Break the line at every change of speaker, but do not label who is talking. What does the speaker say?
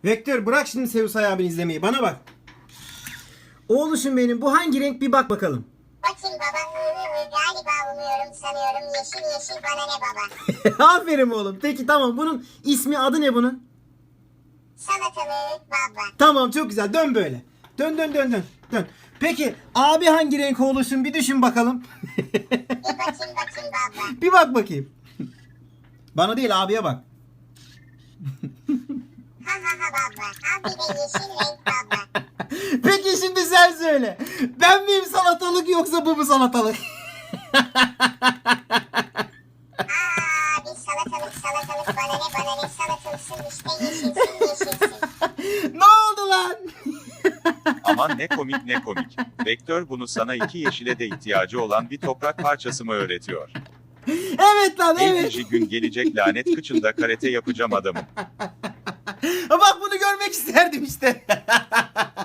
Vektör bırak şimdi Seus abini izlemeyi. Bana bak. Oğluşum benim, bu hangi renk bir bak bakalım.
Bakayım baba. Galiba umuyorum sanıyorum. Yeşil yeşil bana ne baba.
Aferin oğlum. Peki tamam, bunun ismi, adı ne bunun?
Salatalık baba.
Tamam, çok güzel. Dön böyle. Dön dön dön dön. Dön. Peki abi hangi renk oğluşum, bir düşün bakalım.
Bir bakayım baba.
Bir bak bakayım. Bana değil, abiye bak.
Ha ha ha baba. Abi de yeşil renk baba.
Peki şimdi sen söyle. Ben miyim salatalık yoksa bu mu salatalık?
Aa bir salatalık bana ne salatalısın işte yeşilsin.
Ne oldu lan?
Aman ne komik ne komik. Vektör bunu sana iki yeşile de ihtiyacı olan bir toprak parçası mı öğretiyor?
Evet lan, evet.
Evlici gün gelecek lanet kıçında karate yapacağım adamım.
Bak bunu görmek isterdim işte.